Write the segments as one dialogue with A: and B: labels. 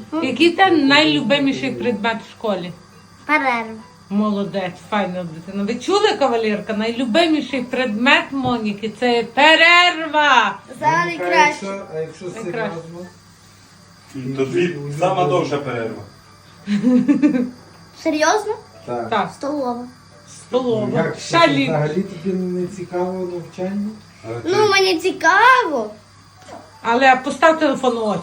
A: Який ти найлюбиміший предмет в школі?
B: Перерва.
A: Молодець, файна дитина. Ви чули, кавалерка? Найлюбиміший предмет Моніки – це перерва.
B: Зараз краще.
C: А якщо серйозно?
D: То дві сама довша перерва.
B: Серйозно?
C: Так.
A: Так,
B: Столова.
A: столова.
C: Як
A: Шалі.
C: взагалі тобі не цікаво навчання?
D: Але ти-
B: Ну, мені цікаво.
A: Але постав телефон у очі.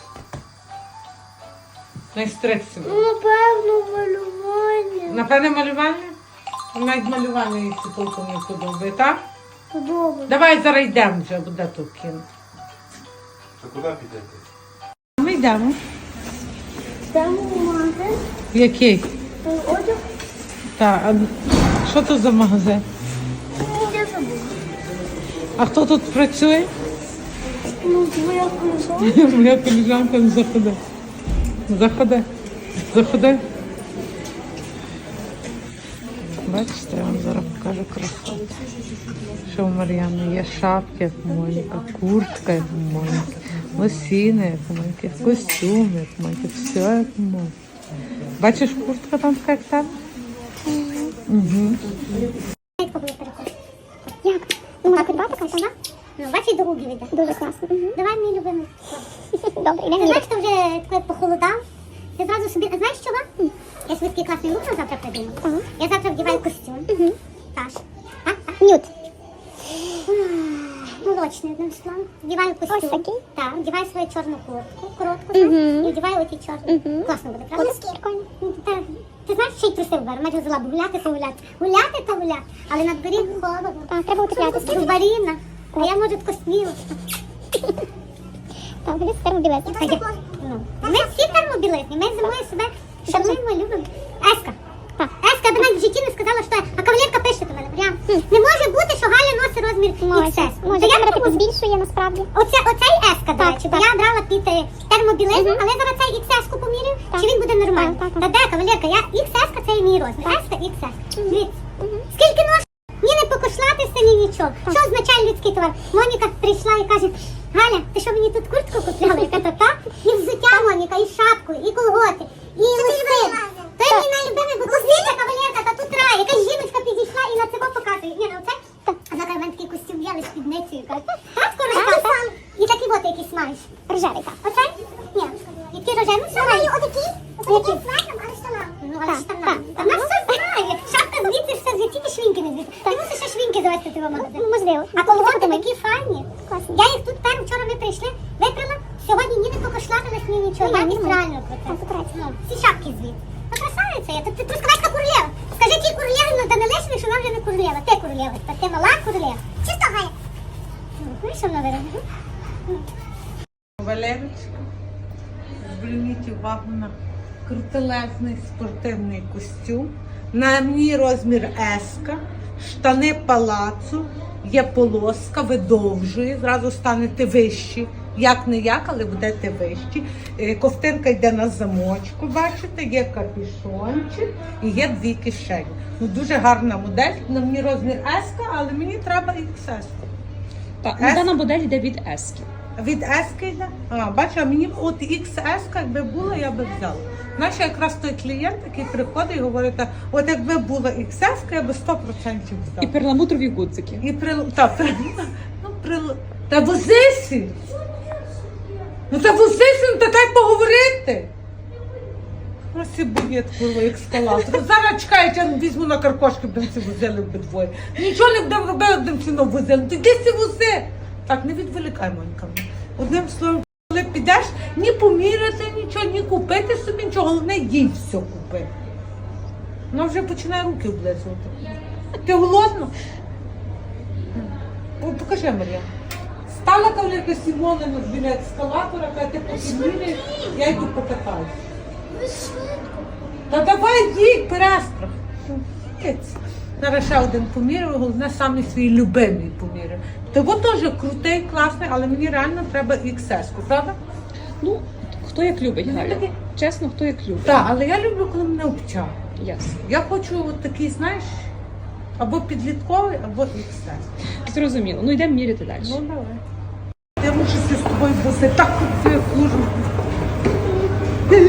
A: Не стрикся.
B: Ну, напевно, малювання.
A: Напевне, малювання? Навіть малювання їй це толком не подобає, так?
B: Подобається.
A: Давай зараз йдемо вже, буде тут кіно.
D: Та куди підете?
A: Ми йдемо.
B: Йдемо в магазин.
A: Який?
B: Одяг.
A: Так, а що це за магазин?
B: Я забула.
A: А хто тут працює?
B: Ну, твоя колесо.
A: Моя коліжанка не заходи. Заходи. Заходи. Бачите, я вам зараз покажу красоту. Що в Мар'яни є шапки, як у Моніка, куртка, як у Моніки, лосіни, як у Моніки, костюм, як у Моніки, все як у Моніки. Бачиш, куртка там така, як там? Угу.
E: Як? Ну, можна придбати така, так?
B: Ну, бачиш, до губів йде.
E: Дуже класно.
B: Давай мій любимий.
E: Добре,
B: Ти
E: йдемо.
B: знаєш, що вже таке похолодав? Ти зразу собі, а знаєш чого? Я собі такий класний лук на завтра придумала.
E: Ага.
B: Я завтра вдіваю костюм. Таш.
E: Нюд.
B: Молочний, одним словом. Вдіваю костюм.
E: Ось такий?
B: Так, вдіваю свою чорну куртку, коротку,
E: Мгм.
B: знаєш, і вдіваю оті чорні.
E: Мгм.
B: Класно буде, правда?
E: Буде прикольно.
B: Ну, ти знаєш, ще й труси вберу. Майже взяла, бо гуляти то гуляти. Гуляти то гуляти. Але на дворі холодно.
E: Так, треба утеплятися.
B: Зубаріна. А я, може, тако сміла.
E: Так, буде термобілизна.
B: Так, ну, ми всі термобілизні, ми зимою себе шануємо, любимо. Еска.
E: Так.
B: Еска до мене в житті не сказала, що а кавалерка пише до мене. Прям. Не може бути, що Галя носить розмір XS.
E: Може,
B: То я
E: камера
B: тому-
E: типу збільшує насправді.
B: Оцей еска, до
E: Так,
B: речі, бо
E: так.
B: я брала під термобілизну,
E: Мгм.
B: але зараз цей XS-ку поміряю,
E: Так.
B: чи він буде нормальний.
E: Так, так,
B: Та де, кавалерка, я XS-ка це мій розмір. Еска, XS. Дивіться. Скільки нож? Ні не покошлатися, ні нічого. Що означає людський товар? Моніка прийшла і каже, Галя, ти що мені тут куртку купляла? Я кажу, так? І взуття, Моніка, і шапку, і колготи, і лосин. То є мій найлюбимий, бо тут дивіться, кавалерка, та тут рай. Якась жіночка підійшла і на цього показує. Ні, на оце? А зараз в мене такий костюм є, з спідницею. Каже, так, скоро став. І такі от якісь маєш.
E: Рожевий, так.
B: Оце? Ні. Які рожеві? Ну, маю отакі. Отакі з лаком, але штанами. Ну, але
E: Так,
B: штанами.
E: так.
B: Та в нас все знає. Шапка звідси, все звідси, тільки швінки не звідси. Ти мусиш ще швінки завести тебе в магазин.
E: Можливо.
B: А колготи такі файні.
E: Класно.
B: Я їх тут вчора ми прийшли, випрала. Сьогодні ні не покошлатилась, ні нічого. Я їх правильно
E: Так,
B: крутила.
E: потрапила.
B: Ну, всі шапки звідси. Ну, красавиця я. Ти трускавецька королева. Скажи тій королеві, ну, та не лишні, що вона вже не королева. Ти королева. Та ти мала королева. Чисто, Галя? Ну, що вона виробила?
A: Валерочка, зверніть увагу на крутелезний спортивний костюм. На мені розмір еска, штани палацу, є полоска, видовжує, зразу станете вищі. Як не як, але будете вищі. Ковтинка йде на замочку, бачите, є капюшончик і є дві кишені. Ну, дуже гарна модель. На мені розмір еска, але мені треба XS.
F: Так,
A: С?
F: дана модель йде від Ески.
A: Від ески йде? А, бачу, а мені от XS, якби була, я би взяла. Знаєш, якраз той клієнт, який приходить і говорить, от якби була XS, я би 100% взяла.
F: І перламутрові гудзики.
A: І та возися! Ну та возися, ну та дай поговорити! Ось і буєт, курва, ескалатор. Зараз чекають, я візьму на каркошки, будемо ці возили обидвоє. Нічого не будемо робити, будемо ціно возили. Ти йди ці вози! Так, не відволікай, Монька. Одним словом, коли підеш, ні поміряти нічого, ні купити собі нічого, головне їй все купити. Вона вже починає руки облизувати. Ти голодна? О, покажи, Мар'я. Стала кавалерка Сімона біля ескалатора, каже, ти поміряєш, я йду покатаюся. Та давай їдь, перестрах. Зараз ще один поміряю, головне, саме свій любимий поміряю. Того теж крутий, класний, але мені реально треба XS-ку, правда?
F: Ну, хто як любить, Галя.
A: таки-
F: Чесно, хто як любить.
A: Так, але я люблю, коли мене обтягує.
F: Ясно.
A: Я хочу от такий, знаєш, або підлітковий, або XS.
F: Зрозуміло. Ну, йдемо міряти далі.
A: Ну, давай. Я мушу з тобою боси, так тут я хожу.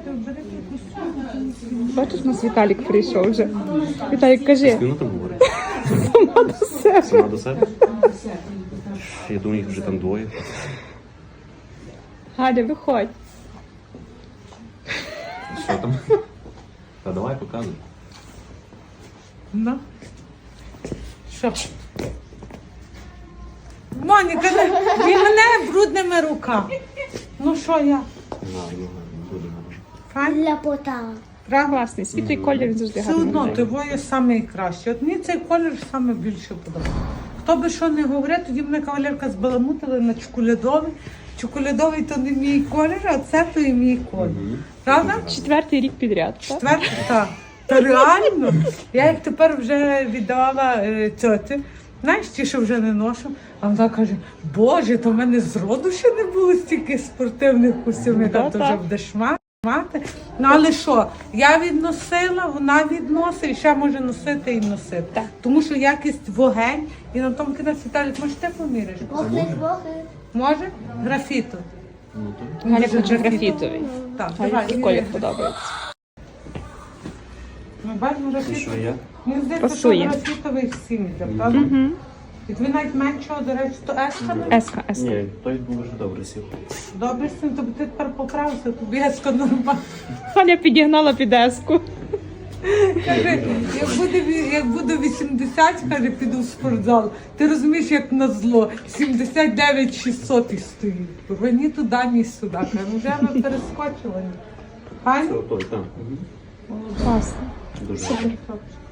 A: бери якусь.
F: Бачиш, у нас Віталік прийшов вже. Віталік, кажи.
G: Вона там говорить.
F: Сама до себе.
G: Сама до себе? Я думаю, їх вже там двоє.
F: Галя, виходь.
G: Що там? Та давай показуй.
A: Ну. Що? Моніка, і мене брудними руками. Ну що я?
G: Буде.
A: Файн?
B: Ляпота.
A: Правда?
F: Класний, світлий колір, він завжди
A: Все
F: гарний.
A: одно,
F: виглядає.
A: твоє саме краще. От мені цей колір саме більше подобається. Хто би що не говорив, тоді мене кавалерка збаламутила на чоколядовий. Чоколядовий то не мій колір, а це то і мій колір. Правда?
F: 4-й рік підряд, так?
A: Четвертий, так. Та реально. Я як тепер вже віддавала тьоті, знаєш, ті, що вже не ношу, а вона каже, Боже, то в мене зроду ще не було стільки спортивних костюмів,
F: Ну,
A: то вже
F: так.
A: будеш мати. Ну, але що, я відносила, вона відносить, і ще може носити і носити.
F: Так.
A: Тому що якість вогень, і на тому кінець Віталік, може ти поміряєш? Може? Графіту.
F: Галя
A: Дуже
F: хоче
A: графіту.
F: графітовий.
A: Так,
F: Галя
A: давай.
F: цей колір подобається.
A: Ми бачимо
G: І
A: графіту.
G: що я?
A: Мені здається,
F: Пасує.
A: що графітовий всім йде, правда?
F: Угу.
A: І тобі навіть меншого, до речі, то еска.
F: Еска, еска.
G: Ні, той був вже добре сів.
A: Добре, син, тобі ти тепер поправився, тобі еска нормально.
F: Галя підігнала під еску.
A: Каже, як буде 80, каже, піду в спортзал. Ти розумієш, як на зло, 79 600 і стоїть. Курва, ні туди, ні сюди. Каже, вже ми перескочили. Файно?
G: Це той, так.
F: Класно.
G: Дуже.
A: Супер.